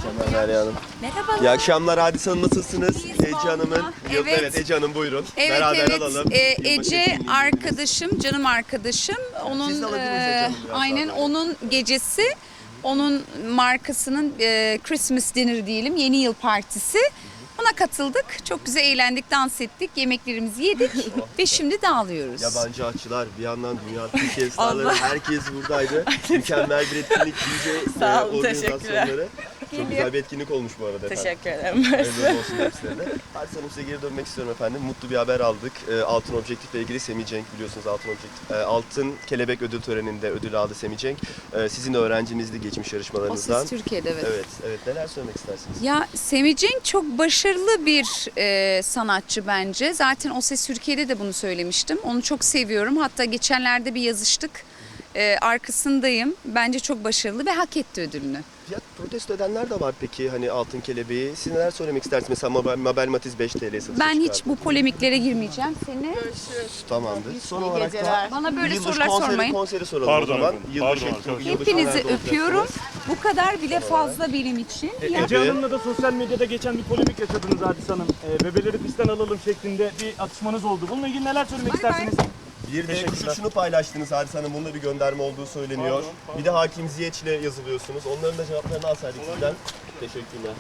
akşamlar Derya Hanım. Merhabalar. İyi akşamlar Hadise Hanım, nasılsınız? İyiyiz Ece Hanım'ın. vallahi. Evet. Evet Ece Hanım buyurun. Evet Beraber evet. alalım. Yılbaşı Ece etkinliği arkadaşım, canım arkadaşım. siz de alabiliriz Ece Hanım biraz aynen daha böyle. onun gecesi, onun markasının Christmas dinner diyelim, yeni yıl partisi. Ona katıldık. Çok güzel eğlendik, dans ettik, yemeklerimizi yedik ve şimdi dağılıyoruz. Yabancı açılar, bir yandan dünya Türkiye starları, herkes buradaydı. Mükemmel bir etkinlik, DJ Sağ olun, organizasyonları. Çok güzel bir etkinlik olmuş bu arada efendim. Teşekkür ederim. Hayırlı olsun hepsine. Hadise Hanım, size geri dönmek istiyorum efendim. Mutlu bir haber aldık. Altın Objektif'le ilgili Semih Cenk, biliyorsunuz Altın Objektif. Altın Kelebek ödül töreninde ödül aldı Semih Cenk. Sizin de öğrencinizdi geçmiş O yarışmalarınızdan. Ses Türkiye'de evet. Evet. Neler söylemek istersiniz? Ya Semih Cenk çok başarılı bir sanatçı bence. Zaten O Ses Türkiye'de de bunu söylemiştim. Onu çok seviyorum. Hatta geçenlerde bir yazıştık. Arkasındayım. Bence çok başarılı ve hak etti ödülünü. Fiyat protesto edenler de var peki, hani Altın Kelebeği. Siz neler söylemek istersiniz? Mesela Mabel Matiz 5 TL satışa Ben hiç çıkardı. bu polemiklere girmeyeceğim. Seni Tamamdır. Son olarak da bana böyle yılbaşı sorular sormayın. konseri soralım Pardon o zaman. efendim, Yılbaşı pardon etkinliği, arkadaşlar. yılbaşı Hepinizi nerede öpüyorum. olacaksınız? Bu kadar bile fazla benim için. Ya, Ece Hanım'la da sosyal medyada geçen bir polemik yaşadınız Hadise Hanım. Bebeleri pistten alalım şeklinde bir atışmanız oldu. Bununla ilgili neler söylemek istersiniz? Bir de kuş uçuşunu paylaştınız Hadise Hanım. Bunda bir gönderme olduğu söyleniyor. Pardon. Bir de Hakim Ziyeç'le yazılıyorsunuz. Onların da cevaplarını alsaydık sizden. Teşekkürler.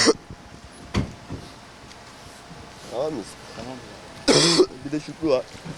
Tamam mıyız? Tamam. Bir de Şükrü var.